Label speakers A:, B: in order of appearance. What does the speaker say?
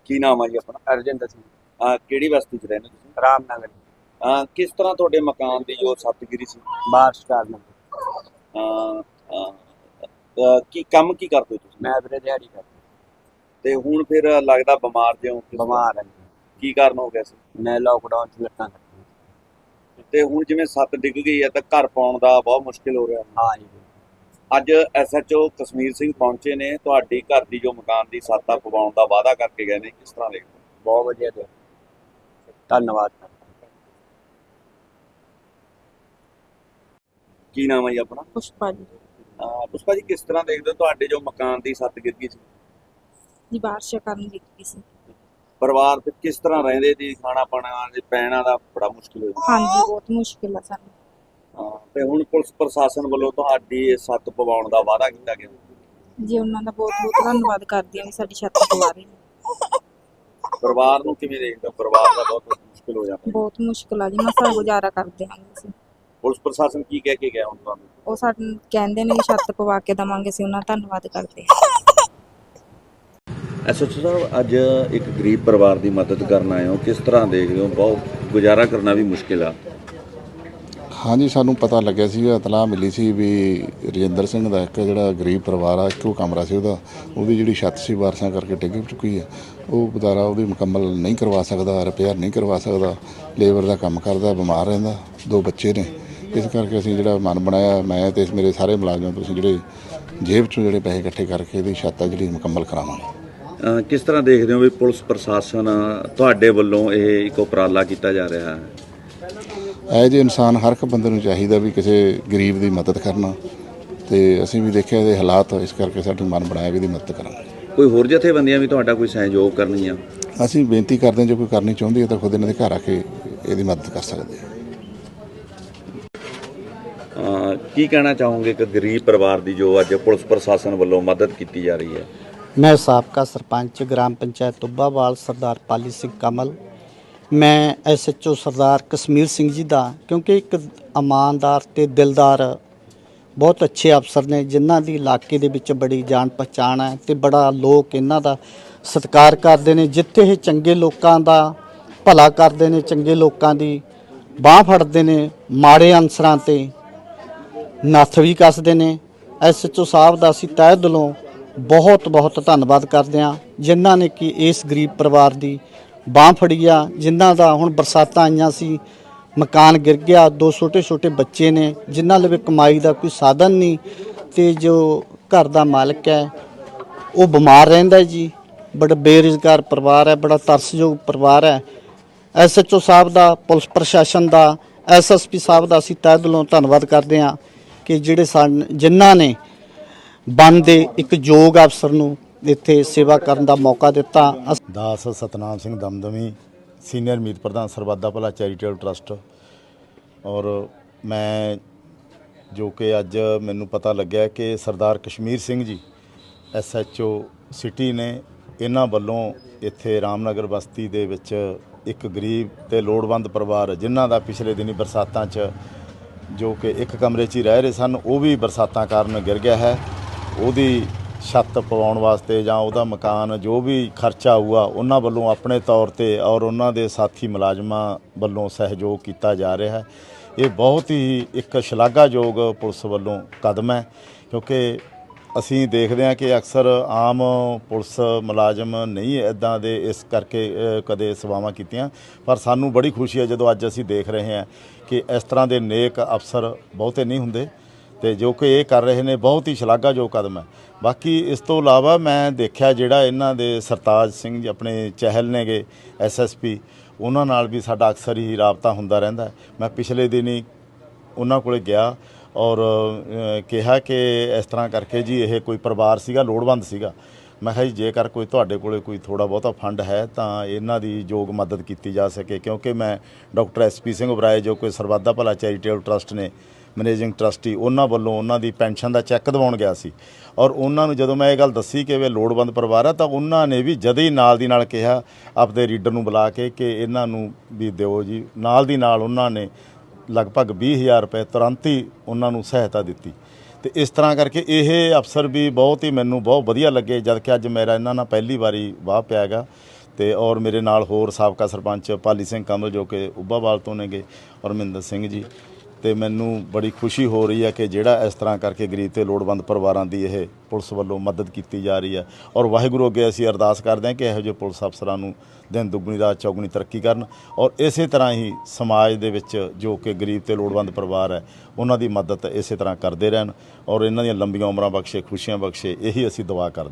A: ਕੀ ਨਾਮ ਆ ਜੀ ਆਪਣਾ?
B: ਅਰਜਿੰਦਰ ਸਿੰਘ।
A: ਕਿਹੜੀ ਬਸਤੀ 'ਚ ਰਹਿੰਦੇ ਤੁਸੀਂ?
B: ਰਾਮਨਗਰ।
A: ਕਿਸ ਤਰ੍ਹਾਂ ਤੁਹਾਡੇ ਮਕਾਨ ਦੀ ਜੋ ਛੱਤ ਗਿਰੀ ਸੀ?
B: ਬਾਰਿਸ਼ ਕਾਰਨ
A: ਅਹ, ਅਹ, ਕੀ ਕੰਮ ਕੀ ਕਰਦੇ ਹੋ ਤੁਸੀਂ?
B: ਮੈਂ ਵੀਰੇ ਦਿਹਾੜੀ ਕਰਦਾ।
A: ਤੇ ਹੁਣ ਫਿਰ ਲੱਗਦਾ ਬਿਮਾਰ ਜਿਉਂ
B: ਬਿਮਾਰ ਹਾਂ ਜੀ।
A: ਕੀ ਕਾਰਨ ਹੋ ਗਿਆ ਸੀ?
B: ਮੈਂ ਲੋਕਡਾਊਨ 'ਚ ਲੱਤਾਂ ਕੱਟੀਆਂ।
A: ਤੇ ਹੁਣ ਜਿਵੇਂ ਛੱਤ ਡਿੱਗ ਗਈ ਹੈ ਤਾਂ ਘਰ ਪਾਉਣ ਦਾ ਬਹੁਤ ਮੁਸ਼ਕਿਲ ਹੋ ਰਿਹਾ।
B: ਹਾਂ ਜੀ।
A: ਅੱਜ ਐਸਐਚਓ ਕਸ਼ਮੀਰ ਸਿੰਘ ਪਹੁੰਚੇ ਨੇ, ਤੁਹਾਡੀ ਘਰ ਦੀ ਜੋ ਮਕਾਨ ਦੀ ਛੱਤ ਆ ਪਵਾਉਣ ਦਾ ਵਾਅਦਾ ਕਰਕੇ ਗਏ ਨੇ, ਕਿਸ ਤਰ੍ਹਾਂ ਦੇਖਦੇ ਹੋ?
B: ਬਹੁਤ ਵਧੀਆ ਤੇ ਧੰਨਵਾਦ।
A: ਕੀ ਨਾਮ ਹੈ ਜੀ ਆਪਣਾ?
C: ਪੁਸ਼ਪਾ ਜੀ।
A: ਪੁਸ਼ਪਾ ਜੀ, ਕਿਸ ਤਰ੍ਹਾਂ ਦੇਖਦੇ ਹੋ ਤੁਹਾਡੇ ਜੋ ਮਕਾਨ ਦੀ ਛੱਤ ਗਿਰ ਗਈ ਸੀ?
C: ਜੀ ਬਾਰਿਸ਼ ਕਾਰਨ ਡਿੱਗ ਗਈ ਸੀ।
A: ਪਰਿਵਾਰ ਤੇ ਕਿਸ ਤਰ੍ਹਾਂ ਰਹਿੰਦੇ ਜੀ? ਖਾਣਾ ਪਾਣਾ ਤੇ ਪੈਣਾ ਦਾ ਬੜਾ ਮੁਸ਼ਕਿਲ ਹੋ ਜਾਂਦਾ।
C: ਹਾਂਜੀ, ਬਹੁਤ ਮੁਸ਼ਕਿਲ ਆ ਸਾਨੂੰ।
A: ਤੇ ਹੁਣ ਪੁਲਿਸ ਪ੍ਰਸ਼ਾਸਨ ਵੱਲੋਂ ਤੁਹਾਡੀ ਇਹ ਛੱਤ ਪਵਾਉਣ ਦਾ ਵਾਅਦਾ ਕੀਤਾ ਗਿਆ।
C: ਜੀ ਉਹਨਾਂ ਦਾ ਬਹੁਤ ਬਹੁਤ ਧੰਨਵਾਦ ਕਰਦੀ ਹਾਂ ਵੀ ਸਾਡੀ ਛੱਤ ਪਵਾ ਰਹੇ ਨੇ।
A: ਪਰਿਵਾਰ ਨੂੰ ਕਿਵੇਂ ਦੇਖਦੇ ਹੋ? ਪਰਿਵਾਰ ਦਾ ਬਹੁਤ ਮੁਸ਼ਕਿਲ ਹੋ ਜਾਂਦਾ।
C: ਬਹੁਤ ਮੁਸ਼ਕਿਲ ਆ ਜੀ, ਮਸਾਂ ਗੁਜ਼ਾਰਾ ਕਰਦੇ ਹਾਂ ਅਸੀਂ।
A: ਪੁਲਿਸ ਪ੍ਰਸ਼ਾਸਨ ਕੀ ਕਹਿ ਕੇ ਗਿਆ ਹੁਣ ਤੁਹਾਨੂੰ?
C: ਉਹ ਸਾਨੂੰ ਕਹਿੰਦੇ ਨੇ ਵੀ ਛੱਤ ਪਵਾ ਕੇ ਦੇਵਾਂਗੇ, ਅਸੀਂ ਉਹਨਾਂ ਦਾ ਧੰਨਵਾਦ ਕਰਦੇ ਹਾਂ।
A: ਐਸਐਚਓ ਸਾਹਿਬ, ਅੱਜ ਇੱਕ ਗਰੀਬ ਪਰਿਵਾਰ ਦੀ ਮਦਦ ਕਰਨ ਆਏ ਹੋ, ਕਿਸ ਤਰ੍ਹਾਂ ਦੇਖਦੇ ਹੋ? ਬਹੁਤ ਗੁਜ਼ਾਰਾ ਕਰਨਾ ਵੀ ਮੁਸ਼ਕਿਲ ਆ।
D: ਹਾਂਜੀ, ਸਾਨੂੰ ਪਤਾ ਲੱਗਿਆ ਸੀ, ਇਤਲਾਹ ਮਿਲੀ ਸੀ ਵੀ ਰਜਿੰਦਰ ਸਿੰਘ ਦਾ ਇੱਕ ਜਿਹੜਾ ਗਰੀਬ ਪਰਿਵਾਰ ਆ, ਇੱਕੋ ਕਮਰਾ ਸੀ ਉਹਦੀ ਜਿਹੜੀ ਛੱਤ ਸੀ ਬਾਰਿਸ਼ਾਂ ਕਰਕੇ ਡਿੱਗ ਚੁੱਕੀ ਹੈ। ਉਹ ਬਦਾਰਾ ਉਹਦੀ ਮੁਕੰਮਲ ਨਹੀਂ ਕਰਵਾ ਸਕਦਾ, ਰਿਪੇਅਰ ਨਹੀਂ ਕਰਵਾ ਸਕਦਾ। ਲੇਬਰ ਦਾ ਕੰਮ ਕਰਦਾ, ਬਿਮਾਰ ਰਹਿੰਦਾ, 2 ਬੱਚੇ ਨੇ। ਇਸ ਕਰਕੇ ਅਸੀਂ ਜਿਹੜਾ ਮਨ ਬਣਾਇਆ, ਮੈਂ ਤੇ ਮੇਰੇ ਸਾਰੇ ਮੁਲਾਜ਼ਮ, ਤੁਸੀਂ ਜਿਹੜੇ ਜੇਬ 'ਚੋਂ ਜਿਹੜੇ ਪੈਸੇ ਇਕੱਠੇ ਕਰਕੇ ਇਹਦੀ ਛੱਤ ਆ ਜਿਹੜੀ ਮੁਕੰਮਲ ਕਰਾਵਾਂਗੇ।
A: ਕਿਸ ਤਰ੍ਹਾਂ ਦੇਖਦੇ ਹੋ ਵੀ ਪੁਲਿਸ ਪ੍ਰਸ਼ਾਸਨ ਤੁਹਾਡੇ ਵੱਲੋਂ ਇਹ ਇੱਕ ਉਪਰਾਲਾ ਕੀਤਾ ਜਾ ਰਿਹਾ ਹੈ?
D: ਇਹ ਜਿਹੇ ਇਨਸਾਨ ਹਰ ਇੱਕ ਬੰਦੇ ਨੂੰ ਚਾਹੀਦਾ ਵੀ ਕਿਸੇ ਗਰੀਬ ਦੀ ਮਦਦ ਕਰਨਾ, ਤੇ ਅਸੀਂ ਵੀ ਦੇਖਿਆ ਇਹਦੇ ਹਾਲਾਤ, ਇਸ ਕਰਕੇ ਸਾਡਾ ਮਨ ਬਣਾਇਆ ਵੀ ਇਹਦੀ ਮਦਦ ਕਰਾਂਗੇ।
A: ਕੋਈ ਹੋਰ ਜਥੇਬੰਦੀਆਂ ਵੀ ਤੁਹਾਡਾ ਕੋਈ ਸਹਿਯੋਗ ਕਰਨਗੀਆਂ?
D: ਅਸੀਂ ਬੇਨਤੀ ਕਰਦੇ ਹਾਂ, ਜੇ ਕੋਈ ਕਰਨੀ ਚਾਹੁੰਦੀ ਹੈ ਤਾਂ ਖੁਦ ਇਹਨਾਂ ਦੇ ਘਰ ਆ ਕੇ ਇਹਦੀ ਮਦਦ ਕਰ ਸਕਦੇ ਆ।
A: ਕੀ ਕਹਿਣਾ ਚਾਹੋਗੇ ਕਿ ਗਰੀਬ ਪਰਿਵਾਰ ਦੀ ਜੋ ਅੱਜ ਪੁਲਿਸ ਪ੍ਰਸ਼ਾਸਨ ਵੱਲੋਂ ਮਦਦ ਕੀਤੀ ਜਾ ਰਹੀ ਹੈ?
E: मैं साबका सरपंच ग्राम पंचायत तुब्बावाल सरदार पाली सिंह कमल, मैं SHO सरदार कश्मीर सिंह जी ਦਾ, ਕਿਉਂਕਿ ਇੱਕ ਇਮਾਨਦਾਰ ਤੇ ਦਿਲਦਾਰ ਬਹੁਤ ਅੱਛੇ ਅਫਸਰ ਨੇ, ਜਿਨ੍ਹਾਂ ਦੀ ਇਲਾਕੇ ਦੇ ਵਿੱਚ ਬੜੀ ਜਾਣ ਪਛਾਣ ਹੈ ਤੇ ਬੜਾ ਲੋਕ ਇਹਨਾਂ ਦਾ ਸਤਿਕਾਰ ਕਰਦੇ ਨੇ। ਜਿੱਥੇ ਇਹ ਚੰਗੇ ਲੋਕਾਂ ਦਾ ਭਲਾ ਕਰਦੇ ਨੇ, ਚੰਗੇ ਲੋਕਾਂ ਦੀ ਬਾਹ ਫੜਦੇ ਨੇ, ਮਾੜੇ ਅਨਸਰਾਂ ਤੇ ਨੱਥ ਵੀ ਕੱਸਦੇ ਨੇ। SHO ਸਾਹਿਬ ਦਾ ਅਸੀਂ ਤਹਿ ਦਿਲੋਂ ਬਹੁਤ ਬਹੁਤ ਧੰਨਵਾਦ ਕਰਦੇ ਹਾਂ, ਜਿਨ੍ਹਾਂ ਨੇ ਕਿ ਇਸ ਗਰੀਬ ਪਰਿਵਾਰ ਦੀ ਬਾਂਹ ਫੜੀ ਆ। ਜਿਨ੍ਹਾਂ ਦਾ ਹੁਣ ਬਰਸਾਤਾਂ ਆਈਆਂ ਸੀ, ਮਕਾਨ ਗਿਰ ਗਿਆ, 2 ਛੋਟੇ ਛੋਟੇ ਬੱਚੇ ਨੇ, ਜਿਨ੍ਹਾਂ ਲਈ ਕਮਾਈ ਦਾ ਕੋਈ ਸਾਧਨ ਨਹੀਂ, ਤੇ ਜੋ ਘਰ ਦਾ ਮਾਲਕ ਹੈ ਉਹ ਬਿਮਾਰ ਰਹਿੰਦਾ ਜੀ। ਬੜਾ ਬੇਰੁਜ਼ਗਾਰ ਪਰਿਵਾਰ ਹੈ, ਬੜਾ ਤਰਸਯੋਗ ਪਰਿਵਾਰ ਹੈ। SHO ਸਾਹਿਬ ਦਾ, ਪੁਲਿਸ ਪ੍ਰਸ਼ਾਸਨ ਦਾ, SSP ਸਾਹਿਬ ਦਾ ਅਸੀਂ ਤਹਿ ਦਿਲੋਂ ਧੰਨਵਾਦ ਕਰਦੇ ਹਾਂ ਕਿ ਜਿਹੜੇ ਜਿਨ੍ਹਾਂ ਨੇ ਬਣਦੇ ਇੱਕ ਯੋਗ ਅਫਸਰ ਨੂੰ ਇੱਥੇ ਸੇਵਾ ਕਰਨ ਦਾ ਮੌਕਾ ਦਿੱਤਾ।
F: ਦਾਸ ਸਤਨਾਮ ਸਿੰਘ ਦਮਦਮੀ, ਸੀਨੀਅਰ ਮੀਤ ਪ੍ਰਧਾਨ ਸਰਬੱਤ ਦਾ ਭਲਾ ਚੈਰੀਟੇਬਲ ਟਰਸਟ। ਔਰ ਮੈਂ ਜੋ ਕਿ ਅੱਜ ਮੈਨੂੰ ਪਤਾ ਲੱਗਿਆ ਕਿ ਸਰਦਾਰ ਕਸ਼ਮੀਰ ਸਿੰਘ ਜੀ SHO ਸਿਟੀ ਨੇ, ਇਹਨਾਂ ਵੱਲੋਂ ਇੱਥੇ ਰਾਮਨਗਰ ਬਸਤੀ ਦੇ ਵਿੱਚ ਇੱਕ ਗਰੀਬ ਤੇ ਲੋੜਵੰਦ ਪਰਿਵਾਰ, ਜਿਨ੍ਹਾਂ ਦਾ ਪਿਛਲੇ ਦਿਨੀ ਬਰਸਾਤਾਂ 'ਚ ਜੋ ਕਿ ਇੱਕ ਕਮਰੇ 'ਚ ਹੀ ਰਹਿ ਰਹੇ ਸਨ, ਉਹ ਵੀ ਬਰਸਾਤਾਂ ਕਾਰਨ ਗਿਰ ਗਿਆ ਹੈ। ਉਹਦੀ ਛੱਤ ਪਵਾਉਣ ਵਾਸਤੇ ਜਾਂ ਉਹਦਾ ਮਕਾਨ ਜੋ ਵੀ ਖਰਚਾ ਆਊਗਾ, ਉਹਨਾਂ ਵੱਲੋਂ ਆਪਣੇ ਤੌਰ ਤੇ ਔਰ ਉਹਨਾਂ ਦੇ ਸਾਥੀ ਮੁਲਾਜ਼ਮਾਂ ਵੱਲੋਂ ਸਹਿਯੋਗ ਕੀਤਾ ਜਾ ਰਿਹਾ ਹੈ। ਇਹ ਬਹੁਤ ਹੀ ਇੱਕ ਸ਼ਲਾਘਾਯੋਗ ਪੁਲਿਸ ਵੱਲੋਂ ਕਦਮ ਹੈ, ਕਿਉਂਕਿ ਅਸੀਂ ਦੇਖਦੇ ਹਾਂ ਕਿ ਅਕਸਰ ਆਮ ਪੁਲਿਸ ਮੁਲਾਜ਼ਮ ਨਹੀਂ ਇੱਦਾਂ ਦੇ ਇਸ ਕਰਕੇ ਕਦੇ ਸੇਵਾਵਾਂ ਕੀਤੀਆਂ। ਪਰ ਸਾਨੂੰ ਬੜੀ ਖੁਸ਼ੀ ਹੈ ਜਦੋਂ ਅੱਜ ਅਸੀਂ ਦੇਖ ਰਹੇ ਹਾਂ ਕਿ ਇਸ ਤਰ੍ਹਾਂ ਦੇ ਨੇਕ ਅਫਸਰ ਬਹੁਤੇ ਨਹੀਂ ਹੁੰਦੇ, ਤੇ ਜੋ ਕਿ ਇਹ ਕਰ ਰਹੇ ਨੇ ਬਹੁਤ ਹੀ ਸ਼ਲਾਘਾਯੋਗ ਕਦਮ ਹੈ। ਬਾਕੀ ਇਸ ਤੋਂ ਇਲਾਵਾ ਮੈਂ ਦੇਖਿਆ ਜਿਹੜਾ ਇਹਨਾਂ ਦੇ ਸਰਤਾਜ ਸਿੰਘ ਜੀ ਆਪਣੇ ਚਹਿਲ ਨੇਗੇ SSP, ਉਹਨਾਂ ਨਾਲ ਵੀ ਸਾਡਾ ਅਕਸਰ ਹੀ ਰਾਬਤਾ ਹੁੰਦਾ ਰਹਿੰਦਾ। ਮੈਂ ਪਿਛਲੇ ਦਿਨੀ ਉਹਨਾਂ ਕੋਲ ਗਿਆ ਔਰ ਕਿਹਾ ਕਿ ਇਸ ਤਰ੍ਹਾਂ ਕਰਕੇ ਜੀ ਇਹ ਕੋਈ ਪਰਿਵਾਰ ਸੀਗਾ, ਲੋੜਵੰਦ ਸੀਗਾ। ਮੈਂ ਕਿਹਾ ਜੀ ਜੇਕਰ ਕੋਈ ਤੁਹਾਡੇ ਕੋਲ ਕੋਈ ਥੋੜ੍ਹਾ ਬਹੁਤਾ ਫੰਡ ਹੈ ਤਾਂ ਇਹਨਾਂ ਦੀ ਯੋਗ ਮਦਦ ਕੀਤੀ ਜਾ ਸਕੇ, ਕਿਉਂਕਿ ਮੈਂ ਡਾਕਟਰ SP ਸਿੰਘ ਉਬਰਾਏ ਜੋ ਕਿ ਸਰਬੱਤ ਦਾ ਭਲਾ ਚੈਰੀਟੇਬਲ ਟਰਸਟ ਨੇ ਮੈਨੇਜਿੰਗ ਟਰਸਟੀ, ਉਹਨਾਂ ਵੱਲੋਂ ਉਹਨਾਂ ਦੀ ਪੈਨਸ਼ਨ ਦਾ ਚੈੱਕ ਦਿਵਾਉਣ ਗਿਆ ਸੀ। ਔਰ ਉਹਨਾਂ ਨੂੰ ਜਦੋਂ ਮੈਂ ਇਹ ਗੱਲ ਦੱਸੀ ਕਿ ਇਹ ਲੋੜਵੰਦ ਪਰਿਵਾਰ ਆ, ਤਾਂ ਉਹਨਾਂ ਨੇ ਵੀ ਜਦ ਹੀ ਨਾਲ ਦੀ ਨਾਲ ਕਿਹਾ ਆਪਦੇ ਰੀਡਰ ਨੂੰ ਬੁਲਾ ਕੇ ਕਿ ਇਹਨਾਂ ਨੂੰ ਵੀ ਦਿਓ ਜੀ। ਨਾਲ ਦੀ ਨਾਲ ਉਹਨਾਂ ਨੇ ਲਗਭਗ 20,000 ਰੁਪਏ ਤੁਰੰਤ ਹੀ ਉਹਨਾਂ ਨੂੰ ਸਹਾਇਤਾ ਦਿੱਤੀ। ਤੇ ਇਸ ਤਰ੍ਹਾਂ ਕਰਕੇ ਇਹ ਅਫਸਰ ਵੀ ਬਹੁਤ ਹੀ ਮੈਨੂੰ ਬਹੁਤ ਵਧੀਆ ਲੱਗੇ, ਜਦ ਕਿ ਅੱਜ ਮੇਰਾ ਇਹਨਾਂ ਨਾਲ ਪਹਿਲੀ ਵਾਰੀ ਵਾਹ ਪਿਆ ਹੈਗਾ। ਤੇ ਔਰ ਮੇਰੇ ਨਾਲ ਹੋਰ ਸਾਬਕਾ ਸਰਪੰਚ ਪਾਲੀ ਸਿੰਘ ਕਮਲ ਜੋ ਕਿ ਉੱਭਾਵਾਲ ਤੋਂ ਨੇਗੇ, ਔਰ ਮਹਿੰਦਰ ਸਿੰਘ ਜੀ। ਤੇ ਮੈਨੂੰ ਬੜੀ ਖੁਸ਼ੀ ਹੋ ਰਹੀ ਹੈ ਕਿ ਜਿਹੜਾ ਇਸ ਤਰ੍ਹਾਂ ਕਰਕੇ ਗਰੀਬ ਤੇ ਲੋੜਵੰਦ ਪਰਿਵਾਰਾਂ ਦੀ ਇਹ ਪੁਲਿਸ ਵੱਲੋਂ ਮਦਦ ਕੀਤੀ ਜਾ ਰਹੀ ਹੈ। ਔਰ ਵਾਹਿਗੁਰੂ ਅੱਗੇ ਅਸੀਂ ਅਰਦਾਸ ਕਰਦੇ ਹਾਂ ਕਿ ਇਹੋ ਜਿਹੇ ਪੁਲਿਸ ਅਫਸਰਾਂ ਨੂੰ ਦਿਨ ਦੁੱਗਣੀ ਰਾਤ ਚੌਗੁਣੀ ਤਰੱਕੀ ਕਰਨ, ਔਰ ਇਸੇ ਤਰ੍ਹਾਂ ਹੀ ਸਮਾਜ ਦੇ ਵਿੱਚ ਜੋ ਕਿ ਗਰੀਬ ਤੇ ਲੋੜਵੰਦ ਪਰਿਵਾਰ ਹੈ ਉਹਨਾਂ ਦੀ ਮਦਦ ਇਸੇ ਤਰ੍ਹਾਂ ਕਰਦੇ ਰਹਿਣ, ਔਰ ਇਹਨਾਂ ਦੀਆਂ ਲੰਬੀਆਂ ਉਮਰਾਂ ਬਖਸ਼ੇ, ਖੁਸ਼ੀਆਂ ਬਖਸ਼ੇ, ਇਹੀ ਅਸੀਂ ਦੁਆ ਕਰਦੇ ਹਾਂ।